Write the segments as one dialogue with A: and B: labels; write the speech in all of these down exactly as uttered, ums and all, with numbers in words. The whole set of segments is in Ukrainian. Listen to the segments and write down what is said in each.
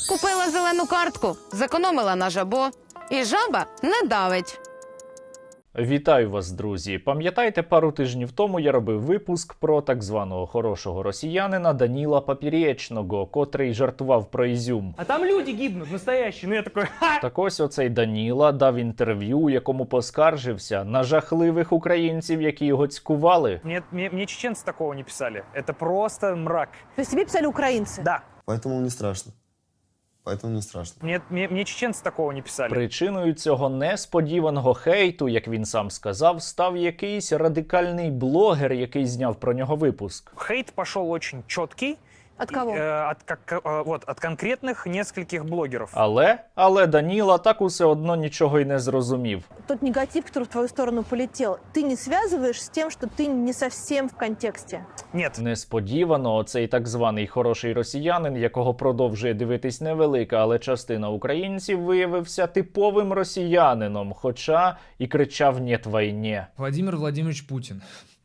A: Купила зелену картку, зекономила на жабо. І жаба не давить.
B: Вітаю вас, друзі! Пам'ятаєте, пару тижнів тому я робив випуск про так званого хорошого росіянина Даніла Поперечного, котрий жартував про Ізюм.
C: А там люди гибнуть, настоящі. Ну я такой, ха!
B: Так ось оцей Даніла дав інтерв'ю, у якому поскаржився на жахливих українців, які його цькували.
C: Мне, мне, мне чеченцы такого не писали. Это просто мрак.
D: То есть тебе писали украинцы?
C: Да.
E: Поэтому не страшно. Поэтому не страшно.
C: Мне, мне, мне чеченцы такого не писали.
B: Причиною цього несподіваного хейту, як він сам сказав, став якийсь радикальний блогер, який зняв про нього випуск.
C: Хейт пошел очень четкий.
D: От кого?
C: Э, от, как, э, вот, от конкретных нескольких блогеров.
B: Але, але Даніла так усе одно нічого й не зрозумів.
D: Тот негатив, который в твою сторону полетел, ты не связываешь с тем, что ты не совсем в контексте?
C: Нет.
B: Несподівано оцей так званий хороший росіянин, якого продовжує дивитись невелика, але частина українців, виявився типовим росіянином, хоча і кричав «Нєт війні».
F: Владимир Владимирович Путин.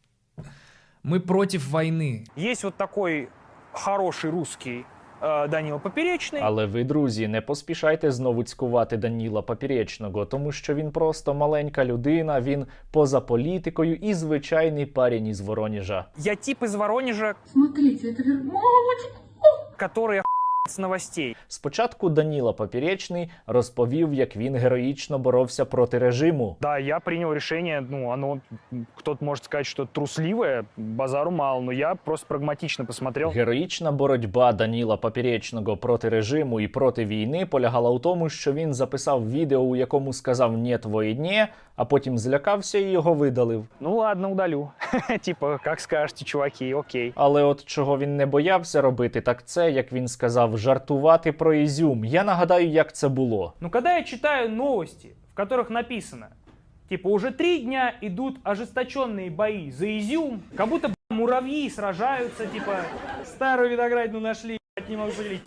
F: Мы против войны.
C: Есть вот такой хороший русский э, Данила Поперечный.
B: Але ви, друзі, не поспішайте знову цькувати Даніла Поперечного, тому що він просто маленька людина, він поза політикою і звичайний парень із Воронежа.
C: Я тип из Воронежа,
G: Смотрите, это вер... Мамочка!
C: который охуенно с новостей.
B: Спочатку Даніла Поперечний розповів, як він героїчно боровся проти режиму.
C: Да, я принял решение, ну, оно, кто-то может сказать, что трусливое, базару мало, но я просто прагматично посмотрел.
B: Героїчна боротьба Даніла Поперечного проти режиму і проти війни полягала у тому, що він записав відео, у якому сказав «Нєт війні», а потім злякався і його видалив.
C: Ну ладно, удалю. Типа, как скажете, чуваки, окей.
B: Але от чого він не боявся робити, так це, як він сказав, жартувати про Ізюм. Я нагадаю, як це було.
C: Ну, когда я читаю новости, в которых написано, типа, уже три дня идут ожесточенные бои за Изюм, как будто, б***, муравьи сражаются, типа, старую виноградину нашли, б***, не могу поделить.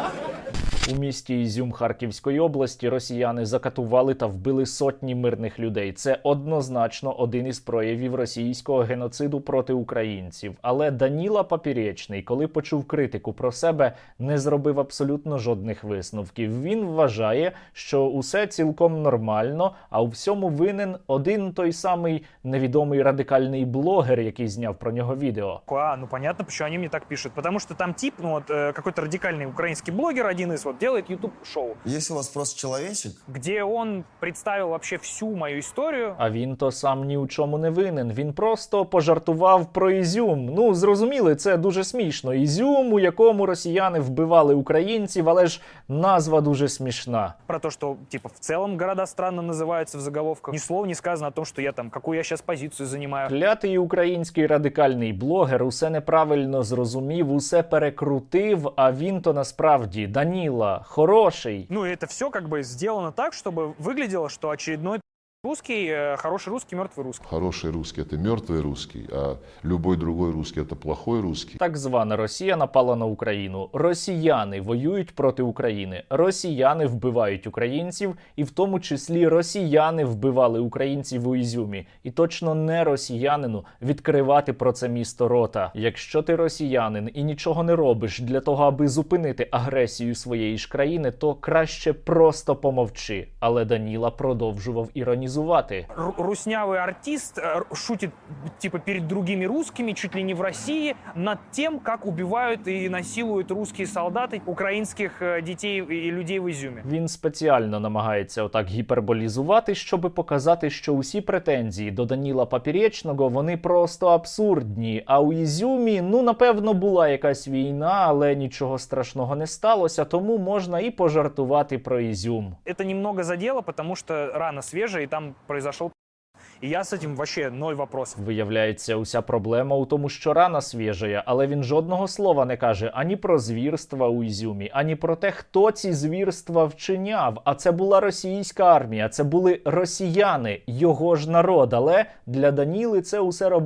B: У місті Ізюм Харківської області росіяни закатували та вбили сотні мирних людей. Це однозначно один із проявів російського геноциду проти українців. Але Даніла Поперечний, коли почув критику про себе, не зробив абсолютно жодних висновків. Він вважає, що усе цілком нормально, а у всьому винен один той самий невідомий радикальний блогер, який зняв про нього відео.
C: А, ну понятно, почему они мне так пишут. Потому что там тип, ну вот, э, какой-то радикальный украинский блогер, один из, вот, делает YouTube-шоу,
E: Если у вас просто человечек,
C: где он представил вообще всю мою историю.
B: А він то сам ні у чому не винен. Він просто пожартував про Ізюм. Ну, зрозуміли, це дуже смішно. Ізюм, у якому росіяни вбивали українців, але ж назва дуже смішна.
C: Про то, что, типа, в целом города странно называются в заголовках. Ни слова не сказано о том, что я там, какую я сейчас позицию занимаю.
B: Клятий український радикальний блогер усе неправильно зрозумів, усе перекрутив, а він то насправді Даніла хороший.
C: Ну, и это все как бы сделано так, чтобы выглядело, что очередной русский, э, хороший русский, мертвый русский.
H: Хороший русский – это мертвый русский, а любой другой русский – это плохой русский.
B: Так звана Росія напала на Україну. Росіяни воюють проти України. Росіяни вбивають українців, і в тому числі росіяни вбивали українців у Ізюмі. І точно не росіянину відкривати про це місто рота. Якщо ти росіянин і нічого не робиш для того, аби зупинити агресію своєї ж країни, то краще просто помовчи. Але Даніла продовжував іронізувати.
C: Ру- Руснявый артист э, шутит, типа, перед другими русскими, чуть ли не в России, над тем, как убивают и насилуют русские солдаты украинских э, детей и людей в Изюме.
B: Він спеціально намагається отак гіперболізувати, щоб показати, що усі претензії до Даніла Поперечного, вони просто абсурдні. А у Ізюмі, ну, напевно, була якась війна, але нічого страшного не сталося, тому можна і пожартувати про Ізюм.
C: Это немного задело, потому что рана свежая, и там произошел. И я с этим вообще ноль вопросов.
B: Виявляється, уся проблема у тому, що рана свіжає, але він жодного слова не каже ані про звірства у Ізюмі, ані про те, хто ці звірства вчиняв. А це була російська армія, це були росіяни, його ж народ. Але для Даніли це усе робив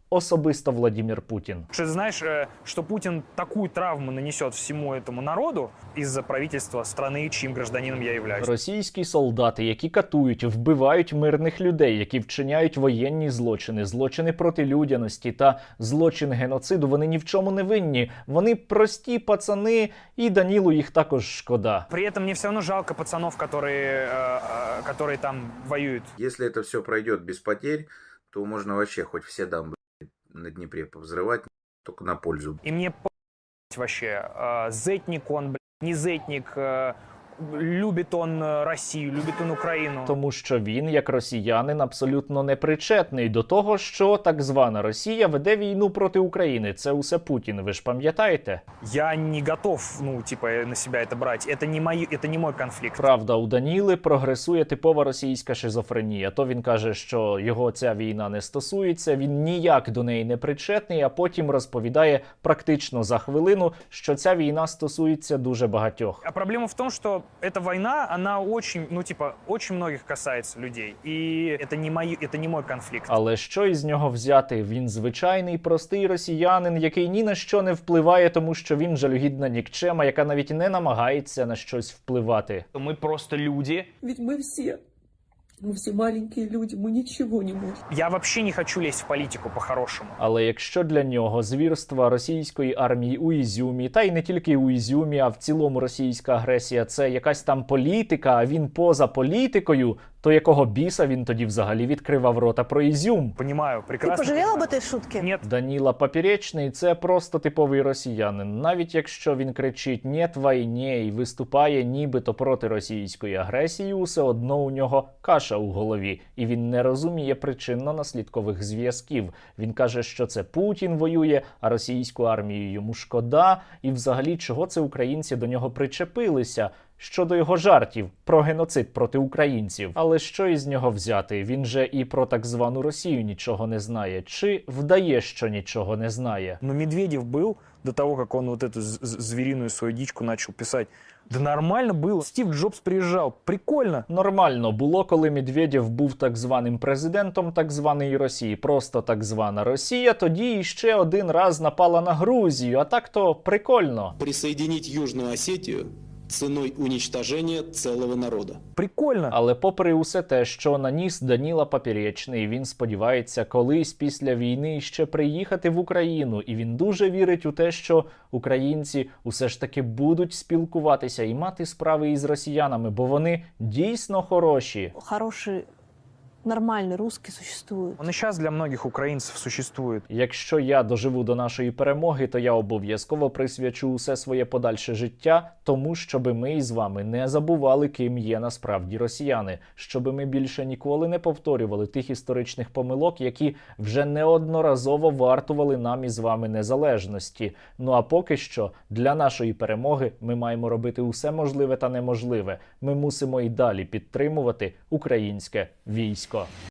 B: особисто Владимир Путін.
C: Что ты знаешь, э, что Путин такую травму нанесет всему этому народу из-за правительства страны, чьим гражданином я являюсь?
B: Російські солдати, які катують, вбивають мирних людей, які вчиняють воєнні злочини, злочини проти людяності та злочин геноциду, вони ні в чому не винні. Вони прості пацани, і Данілу їх також шкода.
C: При этом мне все равно жалко пацанов, которые, э, э, которые там воюют.
I: Если это все пройдет без потерь, то можно вообще хоть все дамбы на Днепре повзрывать, только на пользу.
C: И мне по*** вообще, э, зетник он, блядь, не зетник, э, любит он э, Россию, любит он Украину.
B: Тому що він, як росіянин, абсолютно непричетний до того, що так звана Росія веде війну проти України. Це усе Путін, ви ж пам'ятаєте?
C: Я не готов, ну, типа, на себя это брать. Это не, мой, это не мой конфликт.
B: Правда, у Даніли прогресує типова російська шизофренія. То він каже, що його ця війна не стосується, він ніяк до неї не причетний, а потім розповідає практично за хвилину, що ця війна стосується дуже багатьох.
C: А проблема в том, что эта война, она очень, ну, типа, очень многих касается людей. И это не, мой, это не мой конфликт.
B: Але що із нього взяти? Він звичайний, простий росіянин, який ні на що не впливає, тому що він жалюгідна нікчема, яка навіть не намагається на щось впливати.
C: Мы просто люди.
G: Ведь мы все, мы все маленькие люди, мы ничего не можем.
C: Я вообще не хочу лезть в политику по-хорошему.
B: Але якщо для нього звірства російської армії у Ізюмі, та й не тільки у Ізюмі, а в цілому російська агресія – це якась там політика, а він поза політикою, то якого біса він тоді взагалі відкривав рота про Ізюм?
C: Понимаю,
D: Ты
C: прекрасно.
D: пожалел об
C: понимаю.
D: этой шутке?
C: Нет.
B: Даніла Поперечний – це просто типовий росіянин. Навіть якщо він кричить «Нєт війні» і виступає нібито проти російської агресії, усе одно у нього каша у голові. І він не розуміє причинно-наслідкових зв'язків. Він каже, що це Путін воює, а російську армію йому шкода. І взагалі, чого це українці до нього причепилися? Щодо його жартів про геноцид проти українців. Але що із нього взяти? Він же і про так звану Росію нічого не знає. Чи вдає, що нічого не знає?
C: Но Медведев был, до того, как он вот эту з- з- звериную свою дичку начал писать, да нормально было. Стив Джобс приезжал, прикольно.
B: Нормально було, коли Медведєв був так званим президентом так званої Росії. Просто так звана Росія тоді іще один раз напала на Грузію. А так-то прикольно.
J: Присоединить Южную Осетию ценой уничтожения целого народа.
C: Прикольно.
B: Але попри усе те, що наніс Даніла Поперечний, він сподівається колись після війни ще приїхати в Україну. І він дуже вірить у те, що українці усе ж таки будуть спілкуватися і мати справи із росіянами, бо вони дійсно хороші.
D: Хороший, нормальный русский существует.
C: Он и сейчас для многих украинцев существует.
B: Якщо я доживу до нашої перемоги, то я обов'язково присвячу усе своє подальше життя тому, щоби ми із вами не забували, ким є насправді росіяни, щоби ми більше ніколи не повторювали тих історичних помилок, які вже неодноразово вартували нам із вами незалежності. Ну а поки що, для нашої перемоги ми маємо робити усе можливе та неможливе. Ми мусимо і далі підтримувати українське військо.